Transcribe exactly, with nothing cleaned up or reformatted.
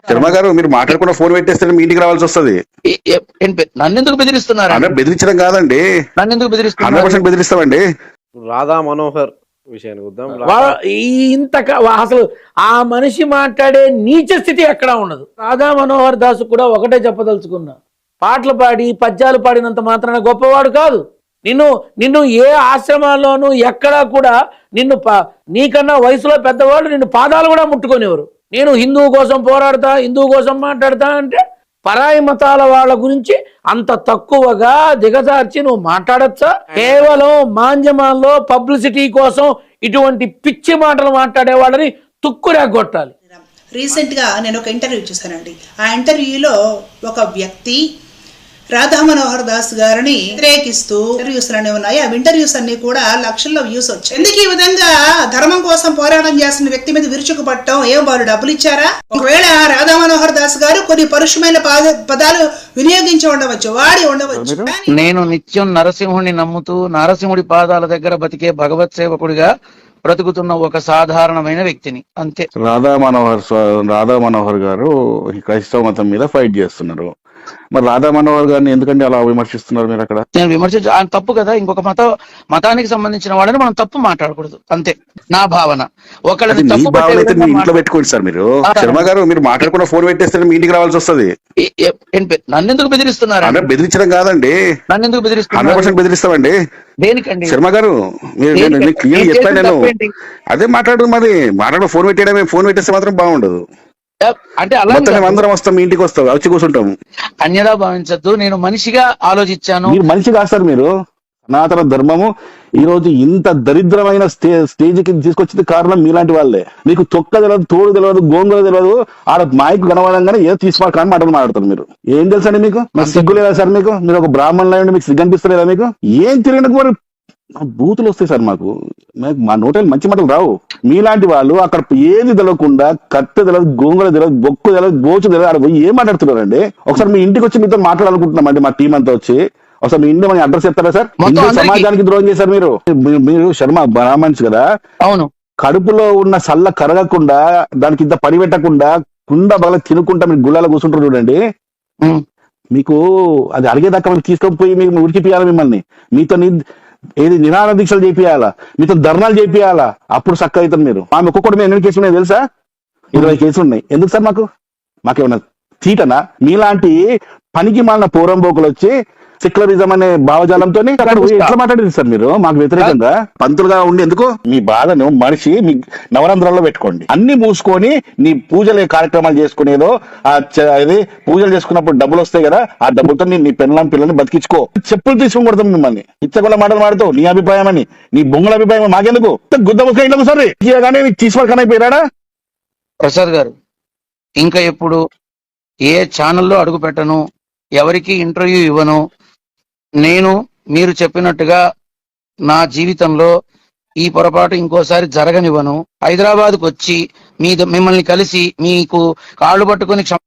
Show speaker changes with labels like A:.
A: శర్మ గారు మీరు మాట్లాడకుండా ఫోన్ పెట్టేస్తే మీ ఇంటికి రావాల్సి వస్తుంది.
B: ఏ- ఏ- ఏంటి బె- నన్ను ఎందుకు బెదిరిస్తున్నారు?
A: అంటే బెదిరించడం కాదండి,
B: నన్ను ఎందుకు
A: హండ్రెడ్
B: బెదిరిస్తున్నారు?
A: పర్సెంట్ బెదిరిస్తామండి.
C: రాధా మనోహర్ విషయానికి వద్దాం.
D: వా- ఈ- ఇంత క- వా- అసలు ఆ మనిషి మాట్లాడే నీచ స్థితి ఎక్కడా ఉండదు. రాధా మనోహర్ దాసు కూడా ఒకటే చెప్పదలుచుకున్నా, పాటలు పాడి పద్యాలు పాడినంత మాత్రాన గొప్పవాడు కాదు. నిన్ను నిన్ను ఏ ఆశ్రమాల్లోనూ ఎక్కడా కూడా నిన్ను ప- నీకన్నా వయసులో పెద్దవాళ్ళు నిన్ను పాదాలు కూడా ముట్టుకునేవారు. నేను హిందువు కోసం పోరాడతా, హిందువు కోసం మాట్లాడతా అంటే పరాయి మతాల వాళ్ళ గురించి అంత తక్కువగా దిగజార్చి నువ్వు మాట్లాడచ్చా? కేవలం మాంజమాల్లో పబ్లిసిటీ కోసం ఇటువంటి పిచ్చి మాటలు మాట్లాడే వాళ్ళని తుక్కురేగొట్టాలి.
E: రీసెంట్ గా నేను ఒక ఇంటర్వ్యూ చూసానండి. ఆ ఇంటర్వ్యూలో ఒక వ్యక్తి రాధా మనోహర్ దాస్ గారిని వ్యతిరేకిస్తూ ఇంటర్వ్యూస్ అన్నీ ఉన్నాయి. ఆ ఇంటర్వ్యూస్ అన్ని కూడా లక్షల్లో వ్యూస్ వచ్చాయి. ఎందుకు ఈ విధంగా ధర్మం కోసం పోరాటం చేస్తున్న వ్యక్తి మీద విరుచుకుపట్టడం? ఏం వాళ్ళు డబ్బులు ఇచ్చారా? ఒకవేళ రాధా మనోహర్ దాస్ గారు కొన్ని పరుషమైన పదాలు వినియోగించి ఉండవచ్చు, వాడి ఉండవచ్చు.
B: నేను నిత్యం నరసింహుడిని నమ్ముతూ నరసింహుడి పాదాల దగ్గర బతికే భగవత్ సేవకుడిగా బ్రతుకుతున్న ఒక సాధారణమైన వ్యక్తిని, అంతే.
A: రాధా మనోహర్ స్వ- రాధా మనోహర్ గారు ఈ క్రైస్తవ మతం మీద ఫైట్ చేస్తున్నారు. మరి రాధా మనోహర్ గారిని ఎందుకంటే అలా విమర్శిస్తున్నారు మీరు అక్కడ?
B: నేను విమర్శించ ఆయన తప్పు కదా. ఇంకొక మత మతానికి సంబంధించిన వాళ్ళని మనం తప్పు మాట్లాడకూడదు, అంతే నా భావన.
A: అది
B: ఒకళ్ళని
A: మీ
B: తప్పు
A: భావన అయితే మీ ఇంట్లో
B: పట్టే
A: పెట్టుకోండి సార్. మీరు
B: ఆ.
A: శర్మ గారు మీరు మాట్లాడకుండా ఫోన్ పెట్టేస్తే మీ ఇంటికి రావాల్సి వస్తుంది.
B: ఏ- ఏ- ఏంటి బె- నన్ను ఎందుకు బెదిరిస్తున్నారు?
A: అంటే బెదిరించడం కాదండి,
B: నన్ను ఎందుకు
A: హండ్రెడ్
B: బెదిరిస్తున్నారు?
A: పర్సెంట్ బెదిరిస్తామండి.
B: దేనికండి?
A: శర్మ గారు మీరు
B: దేనికి?
A: నేను క్లియర్
B: నేను
A: చెప్పాను.
B: చేసిన
A: నేను
B: తప్పేంటి?
A: అదే మాట్లాడు, మరి మాట్లాడు ఫోన్ పెట్టేయడమే. ఫోన్ పెట్టేస్తే మాత్రం బాగుండదు.
B: అంటే అలా
A: మొత్తం మేము అందరం వస్తాం, మీ ఇంటికి వస్తాం, వచ్చి కూర్చుంటాము.
B: అన్యదా భావించద్దు. నేను మనిషిగా ఆలోచించాను.
A: మీరు మనిషి కాదు సార్. మీరు సనాతన ధర్మము ఈ రోజు ఇంత దరిద్రమైన స్టే స్టేజ్ కి తీసుకొచ్చింది కారణం మీలాంటి వాళ్ళే. మీకు తొక్క తెలియదు, తోడు తెలియదు, గోంగూర తెలియదు. ఆడ మైక్ కనబడంగానే ఏదో తీసుకోవాలి మాటలు మాట్లాడతారు. మీరు ఏం తెలుసండి మీకు? మరి సిగ్గు లేదా సార్ మీకు? మీరు ఒక బ్రాహ్మణులు అయ్యండి, మీకు సిగ్గు అనిపిస్తలేదా మీకు? ఏం తిరిగినకు మరి బూతులు వస్తాయి సార్ మాకు. మాకు మా నోటలు మంచి మాటలు రావు. మీలాంటి వాళ్ళు అక్కడ ఏది తెలియకుండా కట్టె తెలియదు, గోంగూర తెలియదు, బొక్కు తెలియదు, గోచు తెలియదు, ఆడ పోయి ఏం మాట్లాడుతున్నారండి? ఒకసారి మీ ఇంటికి వచ్చి మీతో మాట్లాడాలనుకుంటున్నామండి, మా టీం అంతా వచ్చి. ఒకసారి మీ ఇంటి మన అడ్రస్ చెప్తారా సార్?
B: మొత్తం
A: హిందూ
B: అందరికీ.
A: సమాజానికి ద్రోహం చేశారు మీరు. మీరు- మీరు శర్మ బ్రాహ్మణ్స్ కదా,
B: అవును.
A: కడుపులో ఉన్న సల్ల కరగకుండా దానికి ఇంత పని పెట్టకుండా కుండ బగల తినుకుంటా మీరు గుళ్ళాలో కూర్చుంటారు చూడండి.
B: ఉం.
A: మీకు అది అడిగేదాకా మీరు తీసుకొని మీకు ఉరికిపియాలి మిమ్మల్ని. మీతో ని- ఏది నిరాహార దీక్షలు చేపియాలా, మీతో ధర్నాలు చేపియాలా, అప్పుడు చక్కగా అవుతారు మీరు. ఆమె ఒక్కొక్కటి ఎన్ని కేసులు ఉన్నాయి తెలుసా? ఇరవై కేసులు ఉన్నాయి. ఎందుకు సార్ మాకు? మాకేమన్నా తీటనా? మీలాంటి పనికి మాలిన పోరంబోకులు వచ్చి సెక్యులరిజం అనే భావజాలంతో ఎట్లా మాట్లాడేది సార్ మీరు మాకు వ్యతిరేకంగా? పంతులుగా ఉండి ఎందుకు? మీ బాధను మనిషి మీ నవరంధ్రాల్లో పెట్టుకోండి. అన్ని మూసుకొని నీ పూజలు కార్యక్రమాలు చేసుకునేదో ఆ చ- ఇది పూజలు చేసుకున్నప్పుడు డబ్బులు వస్తాయి కదా, ఆ డబ్బులతో నీ నీ పెళ్ళం పిల్లల్ని బతికించుకో. చెప్పులు తీసుకుని కొడతాం మిమ్మల్ని. ఇచ్చకుండా మాటలు మాడుతావు. నీ అభిప్రాయం అని, నీ బొంగుల అభిప్రాయం మాకెందుకు? గుద్ద ముసుక ఇంట్లో సరే కానీ నీకు తీసుకోకనైపోయాడా?
B: ప్రసాద్ గారు, ఇంకా ఎప్పుడు ఏ ఛానల్లో అడుగు పెట్టను, ఎవరికి ఇంటర్వ్యూ ఇవ్వను. నేను మీరు చెప్పినట్టుగా నా జీవితంలో ఈ పొరపాటు ఇంకోసారి జరగనివ్వను. హైదరాబాద్కు వచ్చి మీ మిమ్మల్ని కలిసి మీకు కాళ్ళు పట్టుకొని